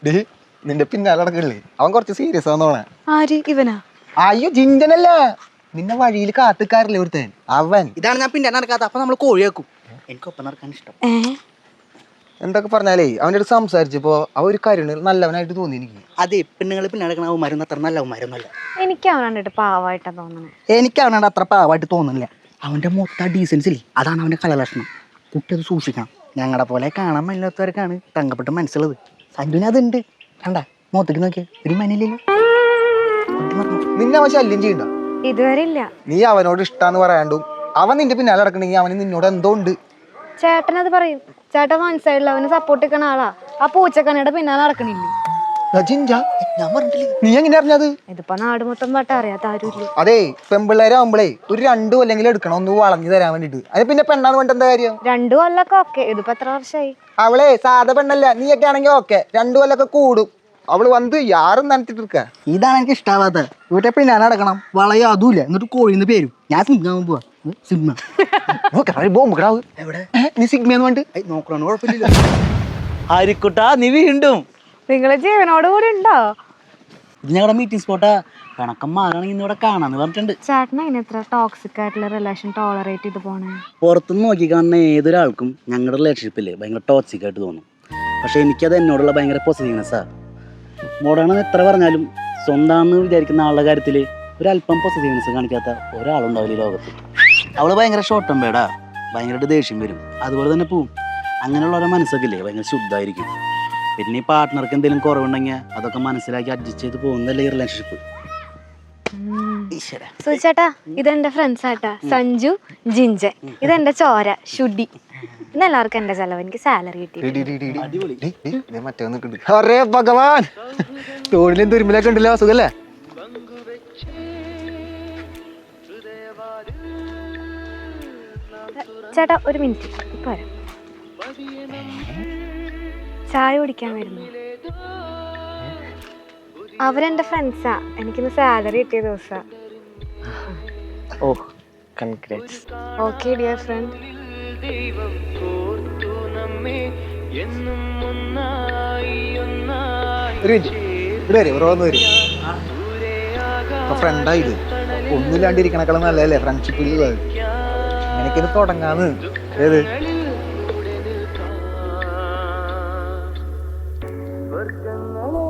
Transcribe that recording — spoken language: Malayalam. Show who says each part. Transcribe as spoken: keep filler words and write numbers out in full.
Speaker 1: ഡേ നിന്റെ പിന്നാലെ നടക്കണില്ലേ അവൻ കുറച്ച് സീരിയസ് ആണെന്നോണേ.
Speaker 2: ആര് ഇവനാ?
Speaker 1: അയ്യോ ജിഞ്ചനല്ല, നിന്നെ വഴിയിൽ കാത്തുക്കാറില്ലേ ഒരുത്തൻ അവൻ.
Speaker 3: ഇതാണ് ഞാൻ പിന്നെ നടക്കാത്ത. അപ്പൊ നമ്മള് കോഴിയാക്കും. എനിക്കൊപ്പം നടക്കാൻ ഇഷ്ടം.
Speaker 1: എന്തൊക്കെ പറഞ്ഞാലേ അവൻ്റെ അടുത്ത് സംസാരിച്ചപ്പോ അവ ഒരു കരുണ് നല്ലവനായിട്ട് തോന്നി എനിക്ക്.
Speaker 3: അതെ, പെണ്ണുങ്ങൾ പിന്നെ നടക്കണ അവന്മാരൊന്നും അത്ര നല്ല അവന്മാരൊന്നുമല്ല.
Speaker 2: എനിക്ക് അവൻ കണ്ടിട്ട് പാവായിട്ടാ തോന്നണേ.
Speaker 3: എനിക്ക് അവനോട് അത്ര പാവായിട്ട് തോന്നുന്നില്ല. അവന്റെ മൊത്തം ഡീസൻസ് ഇല്ലേ, അതാണ് അവന്റെ കലലക്ഷണം. കുട്ടി അത് സൂക്ഷിക്കണം. ഞങ്ങളെ പോലെ കാണാൻ മേലാത്തവർക്കാണ് തങ്കപ്പെട്ട് മനസ്സിലുള്ളത്. സഞ്ജുവിന് അതുണ്ട്. കണ്ട മുഖത്തേക്ക് നോക്കിയ ഒരു മനയില്ലല്ലോ.
Speaker 1: നിന്നെ അവൻ ശല്യം ചെയ്യണ്ട.
Speaker 2: ഇതുവരെ ഇല്ല.
Speaker 1: നീ അവനോട് ഇഷ്ടാന്ന് പറയാണ്ടും അവൻ നിന്റെ പിന്നാലെ നടക്കണെങ്കിൽ അവന് നിന്നോട് എന്തോ ഉണ്ട്.
Speaker 2: ചേട്ടനത് പറയും. ചേട്ടൻ മനസ്സിലായില്ല, അവന് സപ്പോർട്ട് നിൽക്കണ ആളാ. ആ പൂച്ചക്കണ്ണയുടെ പിന്നാലെ നടക്കണില്ലേ?
Speaker 3: ഞാൻ പറഞ്ഞിട്ടില്ലേ?
Speaker 1: നീ എങ്ങനെ അറിഞ്ഞത്?
Speaker 2: ഇതിപ്പോ നാട് മൊത്തം പാട്ട അറിയാത്ത ആരുമില്ല.
Speaker 1: അതെ, പെമ്പിള്ളേരാകുമ്പളേ ഒരു രണ്ടു കൊല്ലെങ്കിലും എടുക്കണം ഒന്ന് വളഞ്ഞു തരാൻ വേണ്ടിട്ട്. അത് പിന്നെ പെണ്ണാന്ന് വേണ്ട എന്താ കാര്യം?
Speaker 2: രണ്ടു കൊല്ലൊക്കെ ഓക്കെ. ഇതിപ്പോ എത്ര വർഷമായി?
Speaker 1: അവളെ സാധാ പെണ്ണല്ല, നീയൊക്കെ ആണെങ്കിൽ ഓക്കെ. രണ്ടു കൊല്ലൊക്കെ കൂടും. അവള് വന്ന് യാറും നനത്തിട്ടിരിക്ക.
Speaker 3: ഇതാണ് എനിക്ക് ഇഷ്ടാവാത്ത. ഇവിടെ പിന്നെ നടക്കണം വളയോ അതുമില്ല. എന്നിട്ട് കോഴിന്ന് പേരും. ഞാൻ സിനിമ പോവാ. സിനിമ
Speaker 1: നീ സിഗ്മയെന്ന് വേണ്ട
Speaker 3: നോക്കണോ? കുഴപ്പമില്ല.
Speaker 4: ആരിക്കുട്ടാ നീ വീണ്ടും
Speaker 2: നിങ്ങളെ ജീവനോട് കൂടി ഉണ്ടോ?
Speaker 4: ഇത് ഞങ്ങളുടെ മീറ്റിംഗ് സ്പോട്ടാ. കണക്കം മാറാണെങ്കിൽ ഇന്നിവിടെ കാണാന്ന് പറഞ്ഞിട്ടുണ്ട്.
Speaker 2: ചേട്ടൻ അതിന് എത്ര ടോക്സിക് ആയിട്ടുള്ള റിലേഷൻ ടോളറേറ്റ് ചെയ്ത് പോണേ?
Speaker 4: പുറത്തുനിന്ന് നോക്കി കാണുന്ന ഏതൊരാൾക്കും ഞങ്ങളുടെ റിലേഷൻഷിപ്പില്ലേ ഭയങ്കര ടോക്സിക് ആയിട്ട് തോന്നും. പക്ഷെ എനിക്കത് എന്നോടുള്ള ഭയങ്കര പോസിറ്റീവ്നെസ്സാ. മോഡാണെന്ന് എത്ര പറഞ്ഞാലും സ്വന്തമാണെന്ന് വിചാരിക്കുന്ന ആളുടെ കാര്യത്തിൽ ഒരല്പം പോസിറ്റീവ്നെസ് കാണിക്കാത്ത ഒരാളുണ്ടാവില്ല ഈ ലോകത്ത്. അവള് ഭയങ്കര ഷോർട്ട് ടെമ്പേർഡാ. ഭയങ്കരമായിട്ട് ദേഷ്യം വരും. അതുപോലെ തന്നെ പോവും. അങ്ങനെയുള്ളവരുടെ മനസ്സൊക്കെ ഇല്ലേ ഭയങ്കര ശുദ്ധമായിരിക്കും. പിന്നെ ഈ പാർട്ട്ണർക്ക് എന്തെങ്കിലും കുറവുണ്ടെങ്കിൽ അതൊക്കെ മനസ്സിലാക്കി അഡ്ജസ്റ്റ് ചെയ്ത് പോകുന്നതല്ലേ ഈ റിലേഷൻഷിപ്പ്.
Speaker 2: സുചേട്ടാ, ഇതെന്റെ ഫ്രണ്ട്സ് ആട്ടാ. സഞ്ജു, ജിഞ്ചൻ. ഇതെന്റെ ചോര ഷുഡി. ഇന്ന് എല്ലാവർക്കും എന്റെ ചെലവ്. എനിക്ക് സാലറി കിട്ടി.
Speaker 1: അറേ ഭഗവാൻ, തോണിലും തുരുമ്പിലൊക്കെ ഉണ്ടല്ലോ. സുഖല്ലേ?
Speaker 2: ചേട്ടാ ഒരു മിനിറ്റ്, ഇപ്പൊ വരാം. ചായ കുടിക്കാൻ വരുന്നു. അവരെന്റെ ഫ്രണ്ട്സാ. എനിക്കിന്ന് സാലറി കിട്ടിയ ദിവസാ.
Speaker 1: ഓ കൺഗ്രാറ്റ്സ്.
Speaker 2: Okay dear friend.
Speaker 1: ഒരു മിനിറ്റ് ഇവിടെ വരും. ഓരോന്ന് വരും. ഫ്രണ്ടായത് ഒന്നുമില്ലാണ്ടിരിക്കണക്കളും നല്ലതല്ലേ ഫ്രണ്ട്ഷിപ്പിൽ. എനിക്കിത് തുടങ്ങാന്ന്. ഏത് വർഗങ്ങളെ